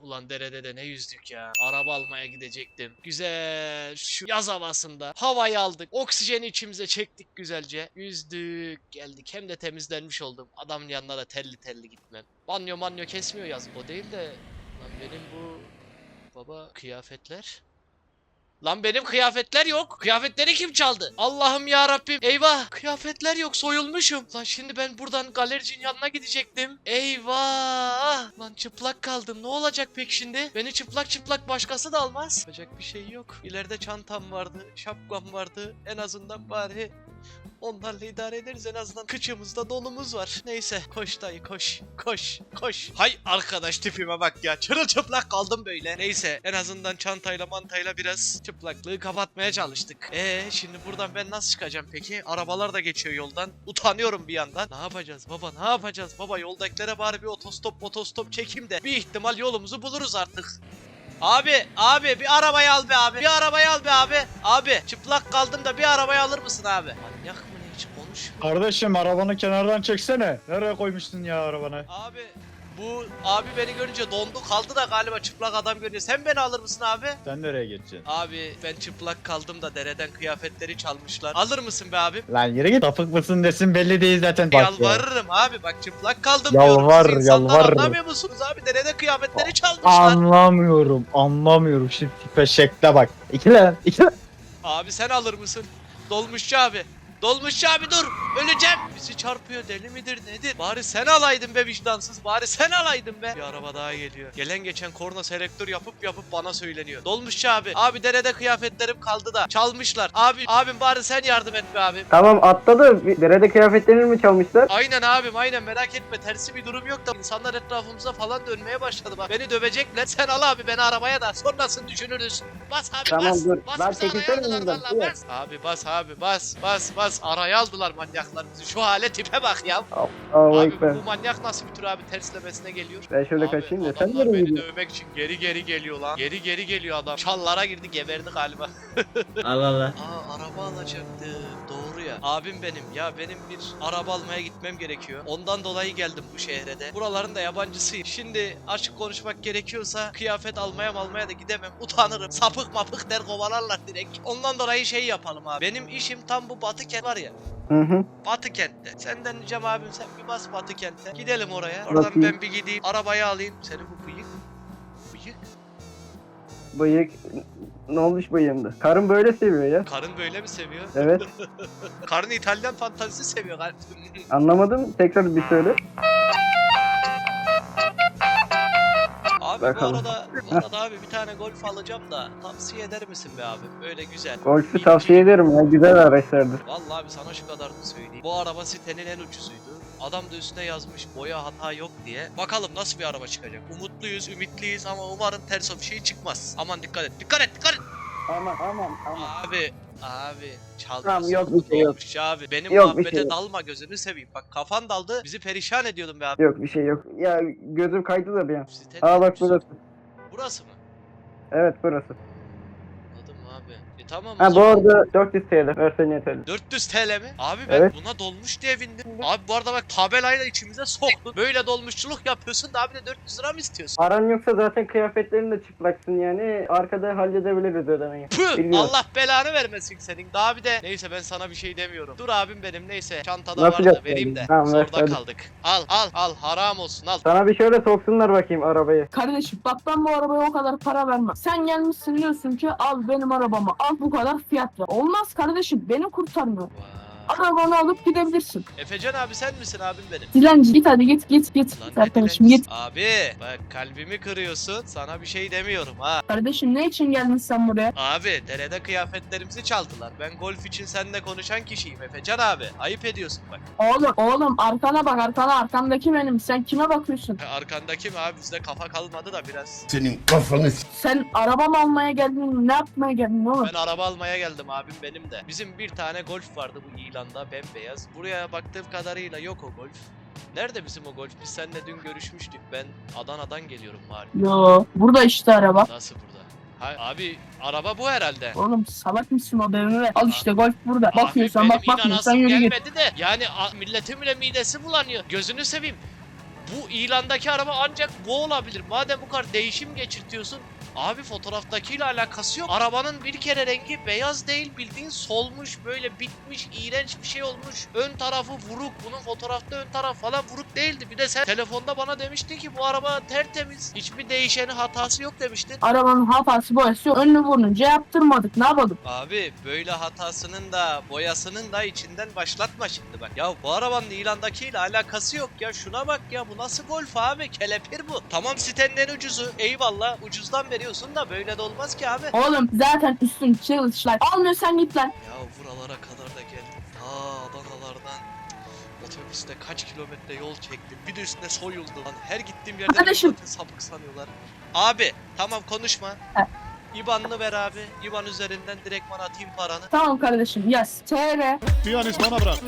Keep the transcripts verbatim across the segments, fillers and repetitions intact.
Ulan derede de ne yüzdük ya. Araba almaya gidecektim. Güzel şu yaz havasında havayı aldık. Oksijeni içimize çektik güzelce. Yüzdük geldik. Hem de temizlenmiş oldum. Adamın yanına da telli telli gitmem. Banyo manyo kesmiyor yazık. O değil de lan benim bu baba kıyafetler. Lan benim kıyafetler yok. Kıyafetleri kim çaldı? Allah'ım ya Rabbim. Eyvah. Kıyafetler yok. Soyulmuşum. Lan şimdi ben buradan galericinin yanına gidecektim. Eyvah. Lan çıplak kaldım. Ne olacak peki şimdi? Beni çıplak çıplak başkası da almaz. Yapacak bir şey yok. İleride çantam vardı. Şapkam vardı. En azından bari onlarla idare ederiz, en azından kıçımızda donumuz var. Neyse koş dayı koş koş koş. Hay arkadaş tipime bak ya, çırılçıplak kaldım böyle. Neyse en azından çantayla mantayla biraz çıplaklığı kapatmaya çalıştık. Eee şimdi buradan ben nasıl çıkacağım peki? Arabalar da geçiyor yoldan. Utanıyorum bir yandan. Ne yapacağız baba, ne yapacağız baba? Yoldakilere bari bir otostop otostop çekeyim de bir ihtimal yolumuzu buluruz artık. Abi, abi bir arabayı al be abi. Bir arabayı al be abi. Abi çıplak kaldım da bir arabayı alır mısın abi? Manyak mı ne, hiç konuşmuyor. Kardeşim arabanı kenardan çeksene. Nereye koymuştun ya arabanı? Abi bu abi beni görünce dondu kaldı da galiba, çıplak adam görünüyor. Sen beni alır mısın abi? Sen nereye geçeceksin? Abi ben çıplak kaldım da dereden kıyafetleri çalmışlar. Alır mısın be abi? Lan yürü git. Sapık mısın desin belli değil zaten. Bak ya. Yalvarırım abi, bak çıplak kaldım Yalvar, diyorum. Siz insanlar yalvar. anlamıyor musunuz abi? Derede kıyafetleri çalmışlar. Anlamıyorum. Anlamıyorum. Şimdi tipe şekle bak. İki lan. İki lan. Abi sen alır mısın? Dolmuşçu abi. Dolmuşçu abi dur. Öleceğim. Bizi çarpıyor, deli midir nedir? Bari sen alaydın be vicdansız. Bari sen alaydın be. Bir araba daha geliyor. Gelen geçen korna selektör yapıp yapıp bana söyleniyor. Dolmuşçu abi. Abi derede kıyafetlerim kaldı da çalmışlar. Abi abim bari sen yardım et be abi. Tamam atladı. Bir- Derede kıyafetlerini mi çalmışlar? Aynen abim aynen, merak etme, tersi bir durum yok da insanlar etrafımıza falan dönmeye başladı bak. Beni dövecekler. Sen al abi beni arabaya da sonrasını düşünürüz. Bas abi Tamam, bas. dur. Bas Ben bizi çekilsene araya aldılar önümden, vallahi, dur. bas. Abi bas abi bas bas bas. Araya aldılar manyaklar bizi. Şu hale tipe bak ya. Allahu Abi Ekber. bu manyak nasıl bir tür abi, terslemesine geliyor. Ben şöyle Abi, kaçayım da sen adamlar nereye beni gidiyorsun? dövmek için geri geri geliyor lan. Geri geri geliyor adam. Çallara girdi, geberdi galiba. Allah Allah. Aa araba alacaktım. Doğru ya. Abim benim. Ya benim bir araba almaya gitmem gerekiyor. Ondan dolayı geldim bu şehre de. Buraların da yabancısıyım. Şimdi açık konuşmak gerekiyorsa kıyafet almaya almaya da gidemem. Utanırım. Sapık mapık der kovalarlar direkt. Ondan dolayı şey yapalım abi. Benim işim tam bu Batı kent var ya. Hı hı. Batı kentte. Senden ricam abim, sen bir bas Batı kente. Gidelim oraya. Oradan Bakayım. ben bir gideyim. Arabayı alayım. Senin bu bıyık. Bıyık. Bıyık. Ne olmuş bıyığımda? Karım böyle seviyor ya. Karın böyle mi seviyor? Evet. Karın İtalyan fantazisi seviyor galiba. Anlamadım. Tekrar bir söyle. Abi Bakalım. bu arada, bu arada abi bir tane Golf alacağım da tavsiye eder misin be abi? Böyle güzel. Golf'ü tavsiye ederim ya. Güzel araçlardır. Vallahi abi sana şu kadarını söyleyeyim. Bu araba sitenin en ucuzuydu. Adam da üstüne yazmış boya hata yok diye. Bakalım nasıl bir araba çıkacak. Umutluyuz, ümitliyiz ama umarım ters o bir şey çıkmaz. Aman dikkat et, dikkat et, dikkat et. Aman aman aman. Abi, abi çaldırırsın. Tamam, yok bir şey yok. Olmuş abi. Benim Yok bir muhabbete şey yok. dalma, gözünü seveyim. Bak kafan daldı, bizi perişan ediyordun be abi. Yok bir şey yok. Ya gözüm kaydı da bir an. Site Aa bak güzel. burası. Burası mı? Evet burası. Anladım abi. E tamam o Ha bu zaman. arada dört yüz T L. Versen yeterli. dört yüz T L mi? Abi ben Evet. buna dolmuş diye bindim. Abi bu arada bak tabelayla içimize soktun. Böyle dolmuşçuluk yapıyorsun da abi de dört yüz lira mı istiyorsun? Paran yoksa zaten kıyafetlerin de çıplaksın yani. Arkada halledebiliriz ödemeyi. Püh! Bilmiyorum. Allah belanı vermesin senin. Daha bir de neyse ben sana bir şey demiyorum. Dur abim benim, neyse çantada Nasıl var da yapalım? vereyim de. Tamam, ver, Zorda hadi. kaldık. Al al al, haram olsun al. Sana bir şöyle soksunlar bakayım arabayı. Kardeşim bak ben bu arabaya o kadar para vermem. Sen gelmişsin diyorsun ki al benim arabamı, al bu kadar fiyat ver. Olmaz kardeşim, beni kurtarmıyor. Vay. Arabanı alıp gidebilirsin. Efecan abi sen misin abim benim? Dilenci git hadi git git git. Lan Git ne arkadaşım dilencisi? git. Abi bak kalbimi kırıyorsun. Sana bir şey demiyorum ha. Kardeşim ne için geldin sen buraya? Abi derede kıyafetlerimizi çaldılar. Ben golf için seninle konuşan kişiyim Efecan abi. Ayıp ediyorsun bak. Oğlum oğlum arkana bak arkana, arkamdaki benim. Sen kime bakıyorsun? Arkandaki mi abi, bizde kafa kalmadı da biraz. Senin kafanı s- Sen araba mı almaya geldin, ne yapmaya geldin oğlum? Ben araba almaya geldim abim benim de. Bizim bir tane golf vardı bu ilanda, bembeyaz. Buraya baktığım kadarıyla yok o golf. Nerede bizim o golf? Biz seninle dün görüşmüştük. Ben Adana'dan geliyorum bari. Yo burada işte araba. Nasıl burada? Ha, abi araba bu herhalde. Oğlum salak mısın, o B M W? Al işte golf burada. Abi Bakıyorsan benim bak, bakmıyorsan inanasım yürü git. gelmedi de. Yani a- milletin bile midesi bulanıyor. Gözünü seveyim. Bu ilandaki araba ancak bu olabilir. Madem bu kadar değişim geçirtiyorsun. Abi fotoğraftakiyle alakası yok. Arabanın bir kere rengi beyaz değil, bildiğin solmuş, böyle bitmiş, iğrenç bir şey olmuş. Ön tarafı vuruk. Bunun fotoğrafta ön taraf falan vuruk değildi. Bir de sen telefonda bana demiştin ki bu araba tertemiz. Hiçbir değişeni hatası yok demiştin. Arabanın hatası boyası yok. Önünü vurunca yaptırmadık. Ne yapalım? Abi böyle hatasının da boyasının da içinden başlatma şimdi bak. Ya bu arabanın ilandakiyle alakası yok ya. Şuna bak ya, bu nasıl Golf abi? Kelepir bu. Tamam sitenin en ucuzu. Eyvallah ucuzdan veriyorsun da böyle de olmaz ki abi. Oğlum zaten üstün çalışlar. Almıyorsan git lan. Ya buralara kadar da geldim. Ta Adanalardan otobüste kaç kilometre yol çektim. Bir de üstüne soyuldu lan. Her gittiğim yerde Arkadaşım. zaten sapık sanıyorlar. Abi tamam konuşma. Heh. İban'ını ver abi. İban üzerinden direktman atayım paranı. Tamam kardeşim yaz. T R. Piyanist bana bırak.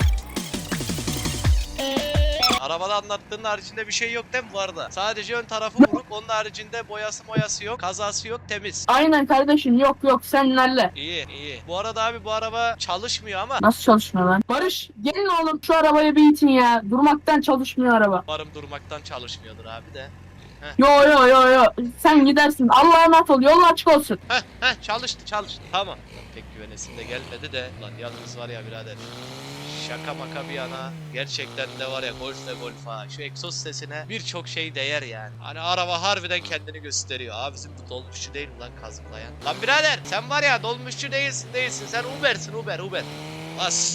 Arabada anlattığının haricinde bir şey yok değil mi bu arada? Sadece ön tarafı vuruk. Onun haricinde boyası moyası yok. Kazası yok. Temiz. Aynen kardeşim yok yok senlerle. İyi iyi. Bu arada abi bu araba çalışmıyor ama Nasıl çalışmıyor lan? Barış gelin oğlum şu arabayı bir itin ya. Durmaktan çalışmıyor araba. umarım durmaktan çalışmıyordur abi de. Yo yo yo yo. Sen gidersin. Allah'a emanet ol. Yolun açık olsun. Heh heh çalıştı çalıştı. Tamam. Pek güvenesim de gelmedi de. Lan yalnız var ya birader. Şaka maka bir yana. Gerçekten de var ya Golf ve Golf ha. Şu egzoz sesine birçok şey değer yani. Hani araba harbiden kendini gösteriyor. Abi bizim bu dolmuşçu değil mi lan kazıklayan? Lan birader sen var ya dolmuşçu değilsin değilsin. Sen Uber'sin Uber Uber. Bas.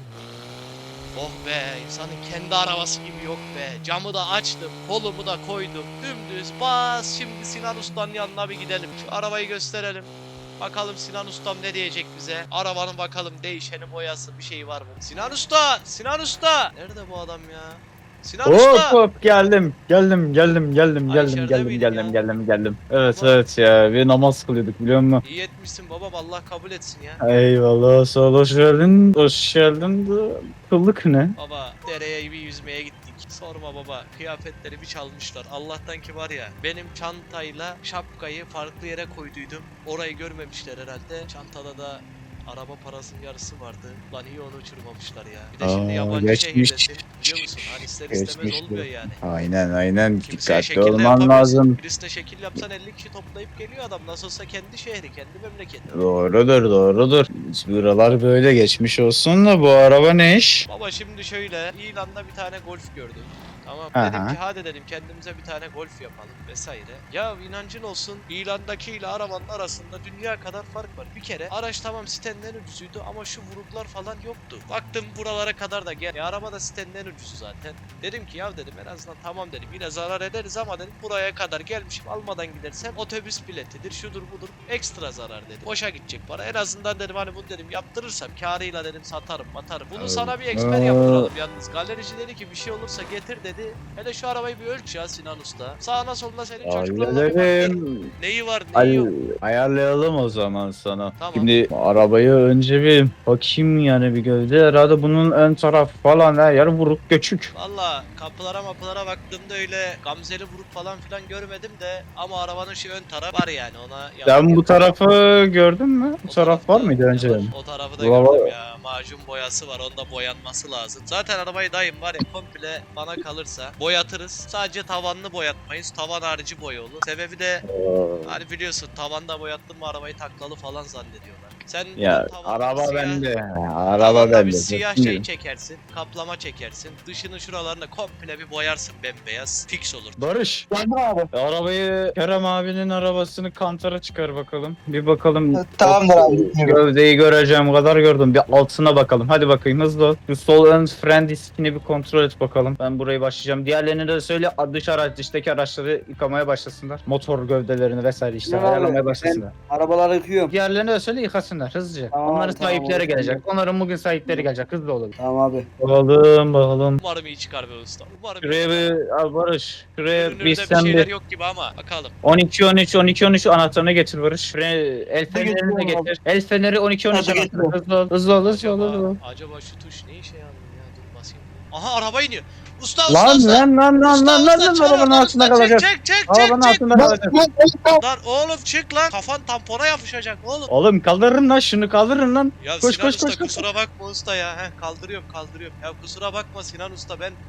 Oh be, insanın kendi arabası gibi yok be. Camı da açtım, kolumu da koydum. Dümdüz bas. Şimdi Sinan Usta'nın yanına bir gidelim. Şu arabayı gösterelim. Bakalım Sinan Ustam ne diyecek bize. Arabanın bakalım değişeni boyası bir şey var mı? Sinan Usta! Sinan Usta! Nerede bu adam ya? Sinan Hop Usta! hop geldim. Geldim geldim geldim Ay, geldim içeride geldim miydin geldim ya? geldim geldim. Evet Baba. evet ya bir namaz kılıyorduk biliyor musun? İyi etmişsin babam, Allah kabul etsin ya. Eyvallah sağ ol hoş geldin. Hoş geldin de kıllık ne? Baba dereye bir yüzmeye gittik. Sorma baba, kıyafetleri bir çalmışlar. Allah'tan ki var ya, benim çantayla şapkayı farklı yere koyduydum. Orayı görmemişler herhalde. Çantada da araba parasının yarısı vardı. Lan iyi onu uçurmamışlar ya. Bir de şimdi Aa, yabancı geçmiş. şehirdesin. Biliyor musun? Hani ister istemez Geçmiş olmuyor bu. yani. Aynen aynen Kimseye dikkatli şekil de olman yapamıyorsun. lazım. Birisine şekil yapsan elli kişi toplayıp geliyor adam. Nasıl olsa kendi şehri, kendi memleketi. Doğrudur doğrudur. Biz buralar böyle geçmiş olsun da bu araba ne iş? Baba şimdi şöyle, ilanda bir tane golf gördüm. Tamam Aha. dedim ki hadi dedim kendimize bir tane golf yapalım vesaire. Ya inancın olsun ilandaki ile arabanın arasında dünya kadar fark var. Bir kere araç tamam sitenin en ucuzuydu ama şu vuruklar falan yoktu. Baktım buralara kadar da gel. E, araba da sitenin en ucuzu zaten. Dedim ki ya dedim en azından tamam dedim yine zarar ederiz ama dedim buraya kadar gelmişim almadan gidersem otobüs biletidir şudur budur ekstra zarar dedim. Boşa gidecek para. En azından dedim hani bunu dedim yaptırırsam karıyla dedim satarım atarım. Bunu sana bir eksper yaptıralım yalnız. Galerici dedi ki bir şey olursa getir dedi. Hele şu arabayı bir ölç ya Sinan Usta. Sağına soluna senin çocuklarla bir bak. Hallederim. Neyi var neyi Ay, yok. ayarlayalım o zaman sana. Tamam. Şimdi arabayı önce bir bakayım yani bir gövde. Herhalde bunun ön tarafı falan her yer vuruk göçük. Valla kapılara mapılara baktığımda öyle gamzeli vuruk falan filan görmedim de ama arabanın şu ön tarafı var yani ona. Sen bu tarafı gördün mü? Bu O taraf var tarafta- mıydı önceden? O tarafı da Bravo. gördüm ya. Macun boyası var. Onda boyanması lazım. Zaten arabayı dayım var ya komple bana kalırsa boyatırız. Sadece tavanını boyatmayız. Tavan harici boya olur. Sebebi de hani biliyorsun tavanda boyattın mı arabayı taklalı falan zannediyorlar. Sen Ya bunun tavanını araba siyah- bende. Araba tavanda bende. bir siyah Şimdi- şey çekersin. Kaplama çekersin. Dışını şuralarını komple bir boyarsın bembeyaz. Fix olur. Barış. Geldim abi. Arabayı Kerem abinin arabasını kantara çıkar bakalım. Bir bakalım. Tamamdır abi. Gövdeyi göreceğim kadar gördüm. Bir altına bakalım. Hadi bakayım hızlı ol. Şu sol ön fren diskini bir kontrol et bakalım. Ben burayı başlayacağım. Diğerlerini de söyle. Dış araç, dıştaki araçları yıkamaya başlasınlar. Motor gövdelerini vesaire işte Tamam abi, ayarlamaya ben- başlasınlar. Arabaları yıkıyorum. Diğerlerini de söyle yıkasınlar hızlıca. Tamam, Onların tamam, sahipleri oldu. gelecek. Onların bugün sahipleri gelecek. Hızlı olun. Tamam abi. Bakalım bakalım. Umarım iyi çıkar be usta. Umarım iyi Şuraya çıkar. bir al Barış. Şuraya Ürününde bir bir sen şeyler bir yok gibi ama bakalım. on iki on üç on iki on üç anahtarını getir Barış. Şuraya el fenerini de getiriyorum getir. El feneri on iki on üç Hadi anahtarı. getiriyorum. Hızlı ol. Hızlı ol. Hızlı ol. hızlı ol. Acaba, acaba şu tuş ne işe yarıyor ya? Dur basayım. Aha araba iniyor. Usta usta Lan usta. lan lan lan Usta, lan usta, lan lan çık arabanın oradan altında usta, kalacak. Çek çek çek Arabanın çek. altında kalacak. Lan oğlum çık lan. Kafan tampona yapışacak oğlum. Oğlum kaldırın lan şunu kaldırın lan. Ya Koş, Sinan koş, Usta koş, koş. kusura bakma usta ya. Heh, kaldırıyorum kaldırıyorum. Ya kusura bakma Sinan Usta ben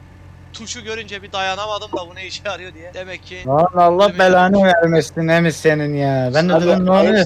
tuşu görünce bir dayanamadım da bu ne işe yarıyor diye. Demek ki Lan Allah belanı vermesin Emi senin ya. Ben de Abi, dedim ne oluyor?